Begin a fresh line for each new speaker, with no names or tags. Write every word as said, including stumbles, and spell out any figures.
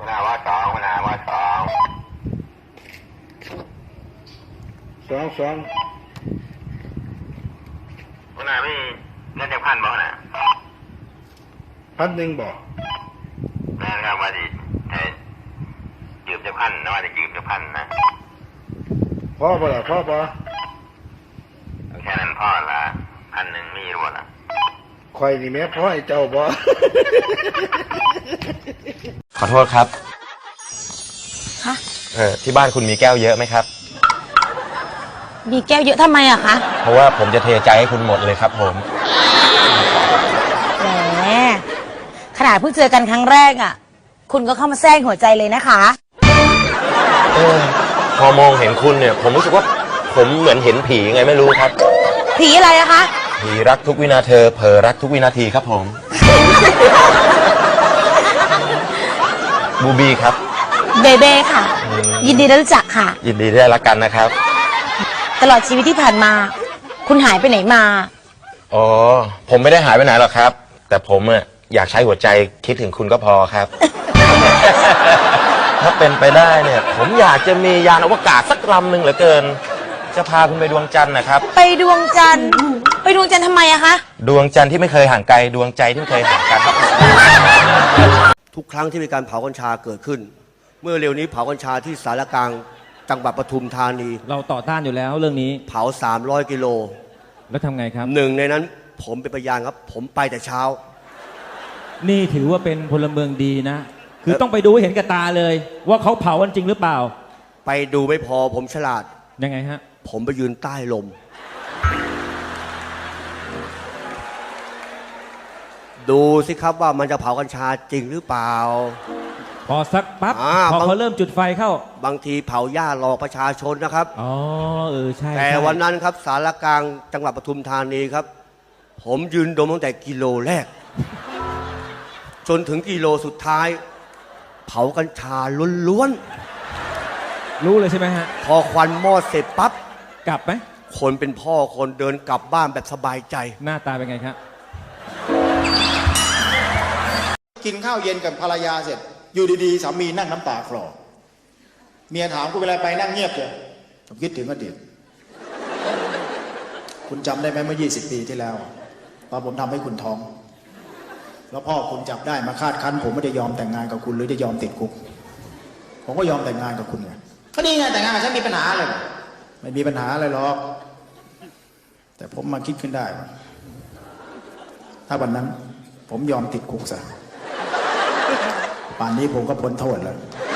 หัวหน้าว่าสองหัวหน้าว่าสอง
สองสอง
หัวหน้าไม่เงินจะพันบ่หัวหน้า
พันหนึ่งบอก
แม่ครับว่าจะยืมจะพันนะว่าจะยืมจะพันนะ
พ่อป่ะล่ะพ่อป่ะ
แค่นั้นพ่อละพันหนึ่งมีรู้ละ
คอยนี่แม่พ่อไอ้เจ้าบ่
ขอโทษครับ
ฮะ
เออที่บ้านคุณมีแก้วเยอะไหมครับ
มีแก้วเยอะทำไมอะคะ
เพราะว่าผมจะเทใจให้คุณหมดเลยครับผม
แหมขนาดเพิ่งเจอกันครั้งแรกอะคุณก็เข้ามาแทรกหัวใจเลยนะคะ
เออพอมองเห็นคุณเนี่ยผมรู้สึกว่าผมเหมือนเห็นผีไงไม่รู้ครับ
ผีอะไรอะคะ
ผีรักทุกวินาทีเผลอรักทุกวินาทีครับผมบูบีครับ
เบเบ้ค่ะยินดีได้รู้จักค่ะ
ยินดีได้รักกันนะครับ
ตลอดชีวิตที่ผ่านมาคุณหายไปไหนมา
อ๋อผมไม่ได้หายไปไหนหรอกครับแต่ผมอะอยากใช้หัวใจคิดถึงคุณก็พอครับ ถ้าเป็นไปได้เนี่ยผมอยากจะมียานอวกาศสักลำหนึ่งเหลือเกินจะพาคุณไปดวงจันทร์นะครับ
ไปดวงจันทร์ไปดวงจันทร์ทำไมอะคะ
ดวงจันทร์ที่ไม่เคยห่างไกลดวงใจที่ไม่เคยห่างกันครับ
ทุกครั้งที่มีการเผากัญชาเกิดขึ้นเมื่อเร็วนี้เผากัญชาที่สารกลางจังหวัดปทุมธานี
เราต่อต้านอยู่แล้วเรื่องนี้
เผาสามร้อยกิโล
แล้วทำไงครับ
หนึ่งในนั้นผมเป็นพยานครับผมไปแต่เช้า
นี่ถือว่าเป็นพลเมืองดีนะคือต้องไปดูให้เห็นกับตาเลยว่าเขาเผากันจริงหรือเปล่า
ไปดูไม่พอผมฉลาด
ยังไงฮะ
ผมไปยืนใต้ลมดูสิครับว่ามันจะเผากัญชาจริงหรือเปล่า
พอสักปั๊บพอเขาเริ่มจุดไฟเข้า
บางทีเผาหญ้าหลอกประชาชนนะครับ
อ๋อเออใช่
แต่วันนั้นครับสารกลางจังหวัดปทุมธานีครับผมยืนดมตั้งแต่กิโลแรกจนถึงกิโลสุดท้ายเผากัญชาล้วน
ๆรู้เลยใช่ไหมฮะ
พอควันมอดเสร็จปั๊บ
กลับไหม
คนเป็นพ่อคนเดินกลับบ้านแบบสบายใจ
หน้าตาเป็นไงครับ
กินข้าวเย็นกับภรรยาเสร็จอยู่ดีๆสามีนั่งน้ำตาคลอเมียถามคุณเวลาไปนั่งเงียบเลยผมคิดถึงอดีตคุณจำได้ไหมเมื่อยี่สิบปีที่แล้วตอนผมทำให้คุณท้องแล้วพ่อคุณจับได้มาคาดคั้นผมไม่ได้ยอมแต่งงานกับคุณหรือจะยอมติดคุกผมก็ยอมแต่งงานกับคุณไงก็นี่ไงแต่งงานกับฉันมีปัญหาเลยไม่มีปัญหาอะไรหรอกแต่ผมมาคิดขึ้นได้ว่าถ้าวันนั้นผมยอมติดคุกซะป่านนี้ผมก็พ้นโทษแล้ว